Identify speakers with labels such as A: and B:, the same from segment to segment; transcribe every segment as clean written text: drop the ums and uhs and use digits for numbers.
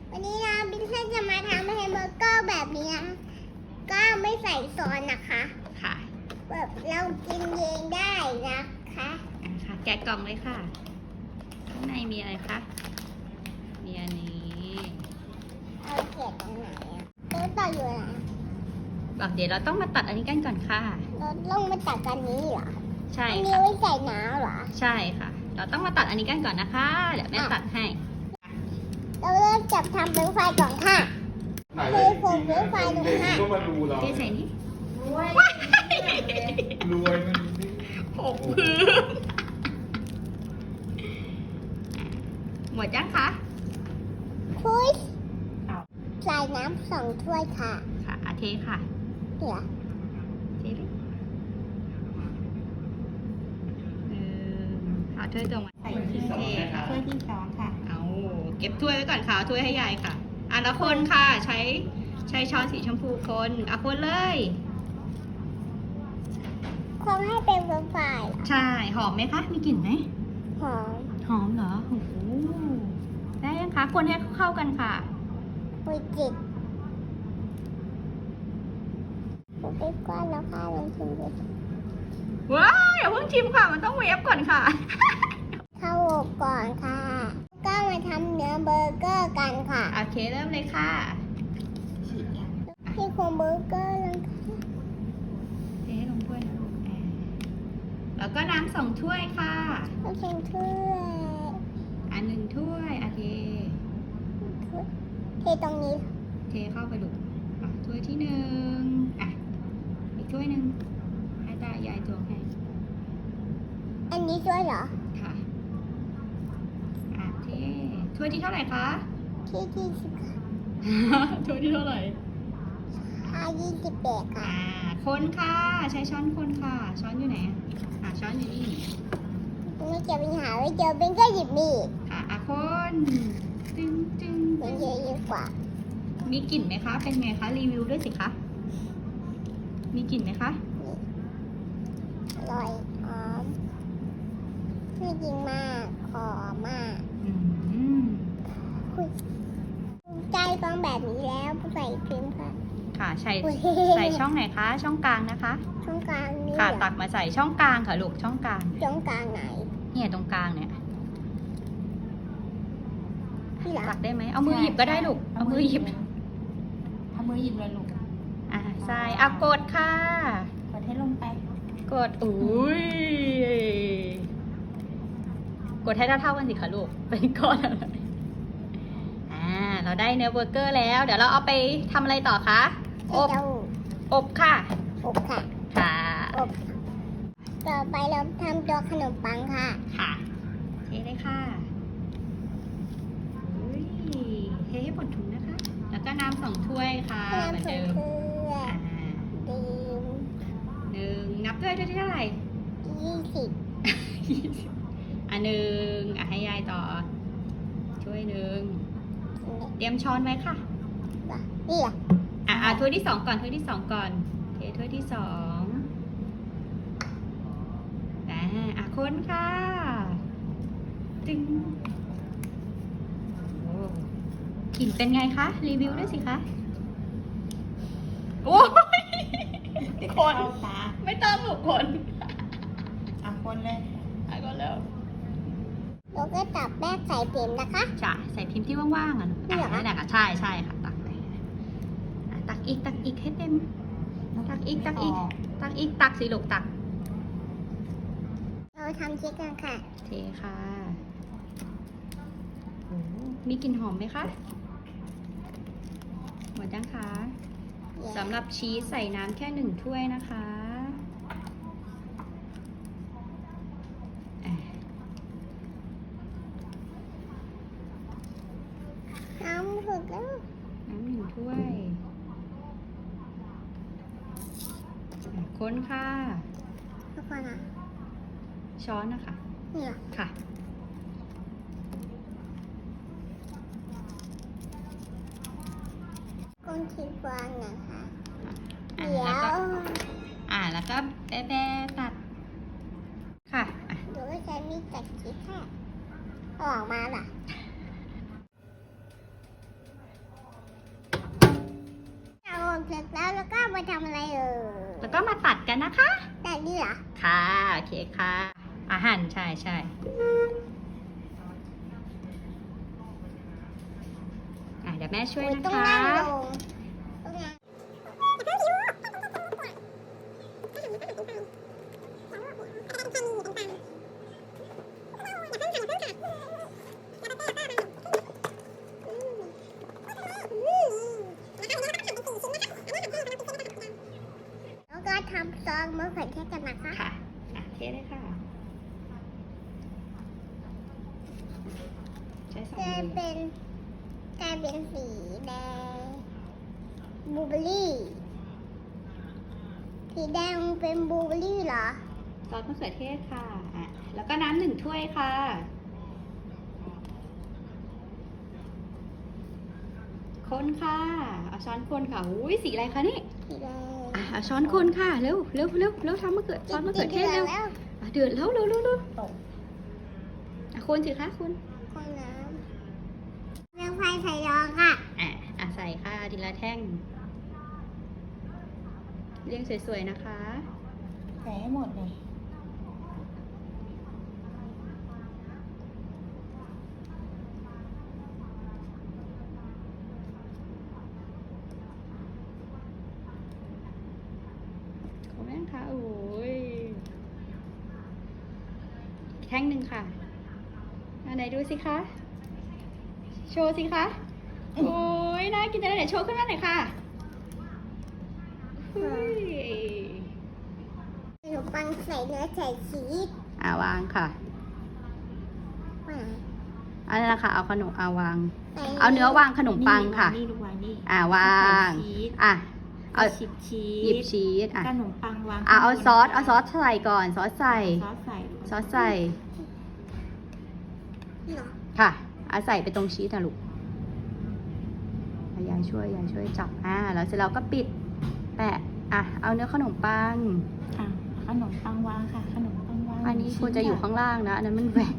A: วันนี้นะบินเซนจะมาทำแฮมเบอร์เกอร์แบบนี้นะก็ไม่ใส่ซอสนะคะ
B: ค่ะ
A: แบบเรากินเองได้นะคะ
B: ค่ะ แกะกล่องเลยค่ะ ข้างในมีอะไรคะ มีอันนี้
A: เอาเกล็ดตรงไหนอะตัวต่ออยู่ไหน
B: บอกเดี๋ยวเราต้องมาตัดอันนี้กันก่อนค่ะ
A: เราต้องมาตัดกันนี้เหรอ
B: ใช่
A: อันนี้
B: ค่ะ
A: ไว้ใส่น้ำเหรอ
B: ใช่ค่ะ เราต้องมาตัดอันนี้กันก่อนนะคะ เดี๋ยวแม่ตัดให้
A: เราเริ่มจับทำเป็นไฟก่อนค่ะคือผมเป็นไฟลงค่ะ
C: ก็มาดูเรา
B: เทใส่นี่
C: รวยมันนี่
B: หกพื้นหมดยังคะ
A: คุยใส่น้ำ2 ถ้วยค่ะ
B: ค่ะอาเทค่ะ
A: เหลือ
B: เทเลยเอาถ้วยตรงมาใส่ที่เทค่ะ
D: ถ้วยที่สองค่ะ
B: เอาเก็บถ้วยไว้ก่อนค่ะเอาถ้วยให้ยายค่ะอ่ะแล้วคนค่ะ ใช้ช้อนสีชมพูคนอ่ะคนเลย
A: คงให้เป็นไฟ
B: ใช่หอมไหมคะ มีกลิ่นไหม
A: หอม
B: หอมเหรอโอ้โหได้ยังคะคนให้เข้ากันค่ะ
A: คุยจิตผมไปก้อนแล้วค่ะลองชิมดู
B: ว้าวอย่าเพิ่งชิมค่ะ มันต้องเวฟก่อนค่ะ
A: เข้าอบก่อนค่ะ ก็มาทำเนื้อเบอร์เกอร์กันค่ะ
B: โอเคเริ่มเลยค่ะ
A: ที่โครงเบอร์เกอร์แล้วค่ะ
B: เทให้ลงถ้วยนะลูกแล้วก็น้ำ2 ถ้วยค่ะ
A: ต้องเชิญถ้วย
B: อัน1 ถ้วยโอเค
A: เทตรงนี้
B: เทเข้าไปลูกอ่ะถ้วยที่1อ่ะอีกถ้วยหนึ่งให้ตายายตวงให้
A: อันนี้ช่วยเหรอ
B: ค่ะอ่ะเทถ้วยที่เท่าไหร่คะ
A: ที่20ค่ะ
B: ถ้วยที่เท่าไหร่
A: 28ค่ะ
B: คนค่ะ ใช้ช้อนคนค่ะ ช้อนอยู่ไหนช้อนอยู่นี่
A: ไม่เจอปัญหาไม่เจอเป็นก็หยิบมีด
B: ค่ะคนตึงตึง
A: มันเยอะกว่า
B: มีกลิ่นไหมคะ เป็นไงคะ รีวิวด้วยสิคะ มีกลิ่นไหมคะ
A: อร่อยหอมไม่จริงมากหอมมาก
B: อืม
A: ใจฟังแบบนี้แล้วใส่พิมพ์ค่ะ
B: ค่ะใส่
A: อุ๊ย
B: ใส่ช่องไหนคะ ช่องกลางนะคะ
A: ช่องกลางนี่
B: ค่ะ
A: เหรอ
B: ตักมาใส่ช่องกลางค่ะลูก ช่องกลาง
A: ช่องกลางไหน
B: เนี่ยตรงกลางเนี่ย
A: ที่หลัง
B: ตักได้ไหม เอามือหยิบก็ได้ลูก เอามือหยิบ
D: เอามือหยิบเลยลูก
B: ใส่กดค่ะ
D: กดให้ลงไป
B: กด อุ้ย กดให้เท่าๆกันสิคะลูก เป็นก้อนอะไรเราได้เนื้อเบอร์เกอร์แล้ว เดี๋ยวเราเอาไปทำอะไรต่อคะ อบ
A: เจ้า
B: อบค่ะ
A: อบค่ะ
B: ค่ะ
A: อบต่อไปเราทำตัวขนมปังค่ะ
B: ค่ะเทเลยค่ะอุ้ยเทให้หมดถุงนะคะ แล้วก็น้ำ2 ถ้วยค่ะเหมือน
A: น้ำผ
B: เดิ
A: ง
B: ม
A: เกลือ
B: อ่า
A: ดื่ม
B: นับด้วยที่เท่าไหร่
A: 20
B: หนึ่งให้ยายต่อ ช่วย1 เตรียมช้อนไว้ค่ะ
A: นี่อ่ะ
B: ถ้วยที่ 2 ก่อน ถ้วยที่ 2 ก่อน เทถ้วยที่ 2คนค่ะตึงโอ้กลิ่นเป็นไงคะ รีวิวด้วยสิคะ โอ้ยคน
D: เข้าตา
B: ไม่ต้องหนูคน
D: อ่ะคนเลย
B: ก็แล้ว
A: เราก็ตับแป้งใส่พิมพ์นะคะ
B: จ้ะใส่พิมพ์ที่ว่างๆนั่นแหละค่ะใช่ค่ะ ตักไปตักอีกให้เต็ม ตักอีกตักสิลูกตัก
A: เราทำเค้กกันค่ะ
B: เทค่ะโอ้มีกลิ่นหอมไหมคะ หมดยังคะสำหรับชีสใส่น้ำแค่1 ถ้วยนะคะ
A: น้ำผึกแล้ว
B: น้ำ1 ถ้วย คนค่ะ
A: ทุกคนอ่ะ
B: ช้อนนะคะ
A: นี่เหรอ
B: ค่ะ
A: ก้นชีฟองนะคะ
B: อ่ะ
A: เดี๋ยว
B: แล้วก็แบะตัด ค่ะ
A: เดี๋ยวก็ใช้มีดตัดชีสค่ะเอาออกมาล่ะมาทำอะไร
B: แล้วก็มาตัดกันนะคะ
A: แต่นี่เหรอ
B: ค่ะโอเคค่ะอาหารใช่ใช่เดี๋ยวแม่ช่วย
A: อุ๊ย
B: นะ
A: ต้อง
B: คะ
A: นั่งลงต้องนั่ง แล้วก็ทำซอสมะเขือเทศกันนะคะ
B: ค่ะเทเลยค่ะใช้สอง
A: กลาย
B: มือ
A: เป็นสีแดงบลูเบอร์รี่ สีแดงเป็นบลูเบอร์รี่เหรอ
B: ซอสมะเขือเทศค่ะแล้วก็น้ำ1 ถ้วยค่ะคนค่ะเอาช้อนคนค่ะอุ้ยสีอะไรคะนี่
A: สีแดง
B: เอาช้อนคนค่ะเร็วเร็วเร็วเร็วทำมะเขือซอสมะเขือเทศเร็ว
A: แล้ว
B: เดือดแล้วเร็วเร็วเร็ว
D: ตก
B: คนสิคะคุณ
A: คนน้ำเรื่องไฟใส่ยองค่ะ
B: ใส่ค่ะทีละแท่งเรียงสวยๆนะคะ
D: ใส่ให้หมดเลย
B: ขอบคุณค่ะโอ้ยอีกแท่งหนึ่งค่ะอันไหนดูสิคะ โชว์สิคะ โอ้ยน่ากินจังเลยเดี๋ยวโชว์ขึ้นมาหน่อยค่ะเฮ้ย
A: ขนมปังใส่เนื้อใส่ชีส
B: วางค่ะ
A: มา
B: อันนั้นนะคะเอาขนมวาง
A: ใส่
B: เอาเนื้อวางขนมปังค่ะ
D: นี่ลูกวางนี่
B: วาง
D: ใส่ชีส
B: เอา
D: ชิบชีส
B: หยิบชีส
D: ขนมปังวาง
B: เอาซอสใส่ก่อนซอสใส่
D: ซอสใส่
B: ซอสใส่
A: เหรอ
B: ค่ะใส่ไปตรงชีสนะลูกยายช่วยจับแล้วเสร็จแล้วก็ปิดแปะเอาเนื้อขนมปัง
D: ค่ะขนมปังวางค่ะ ขนมปังวาง
B: อันนี้ควรจะอยู่ข้างล่างนะอันนั้นมันแหวก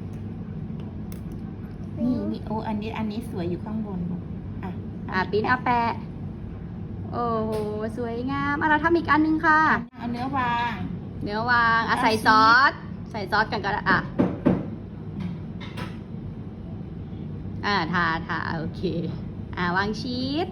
D: นี่โอ้อันนี้สวยอยู่ข้างบนลูก
B: ปิ้นแปะโอ้โหสวยงามเราทำอีกอันนึงค่ะ
D: เอาเนื้อวาง
B: เนื้อวางใส่ซอสกันก็ได้ทาโอเควางชีส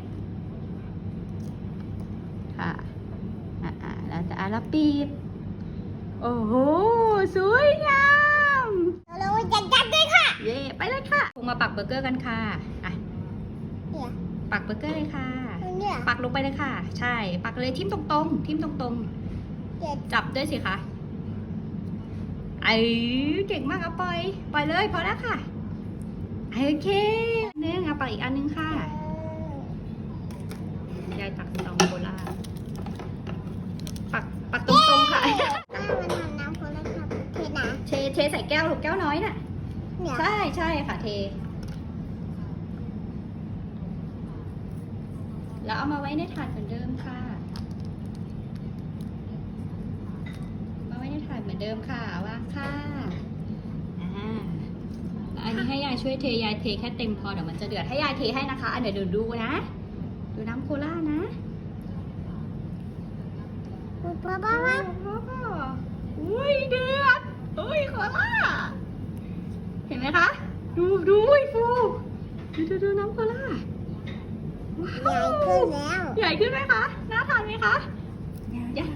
B: ค่ะแล้วปิดโอ้โหสวยงาม
A: เราจะจัดด้วยค่ะ
B: เย่ไปเลยค่ะลงมาปักเบอร์เกอร์กันค่ะ
A: เนี่ย
B: ปักเบอร์เกอร์เลยค่ะ
A: เนี่ย
B: ปักลงไปเลยค่ะ ใช่ปักเลยทิ่มตรง
A: เดี๋ยว
B: จับด้วยสิคะเก่งมากปล่อยเลยพอแล้วค่ะโอเคนึงปักอีกอันนึงค่ะยายตักสตองโคล่าปักตรงๆค่ะ
A: มันทำน้ำโคลาครับเทนะ
B: เทใส่แก้วลูกแก้วน้อยน่ะ
A: เนี่ย
B: ใช่ค่ะเท แล้วเอามาไว้ในถาดเหมือนเดิมค่ะมาไว้ในถาดเหมือนเดิมค่ะวางค่ะอันนี้ให้ยายช่วยเทยายเทแค่เต็มพอเดี๋ยวมันจะเดือดให้ยายเทให้นะคะเดี๋ยวดูนะดูน้ำโคล่านะ
A: ป้า
B: อุ้ยเดือดอุ้ยโคล่าเห็นไหมคะดูฟูดูน้ำโคล่า
A: ใหญ่ขึ้นแล้ว
B: ใหญ่ขึ้นไหมคะน่าทานไหมคะใหญ่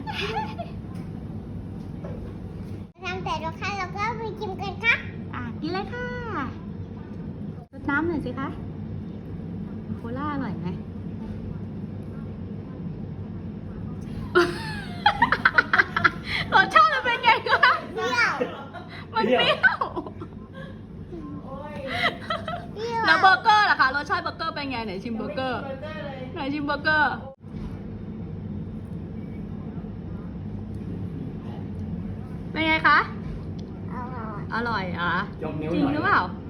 A: ทำแต่ละขั้นเราก็ไปชิมกันค่ะ
B: กินเลยค่ะรดน้ำหน่อยสิคะโคล่าอร่อยไหม รสชาติมันเป็นไงคะ
A: เปรี้ยว
B: มันเปรี้ยว
A: เปรี้ยว
B: แล้วเบอร์เกอร์ล่ะคะรสชาติเบอร์เกอร์เป็นไงไหนชิมเบอร์เกอร์ไหนชิมเบอร์เกอร์เป็นไงคะ
A: อร่อย
B: อร่อย
C: ยกนิ้ว
B: จริง
C: หน่อย
B: หรือเปล่า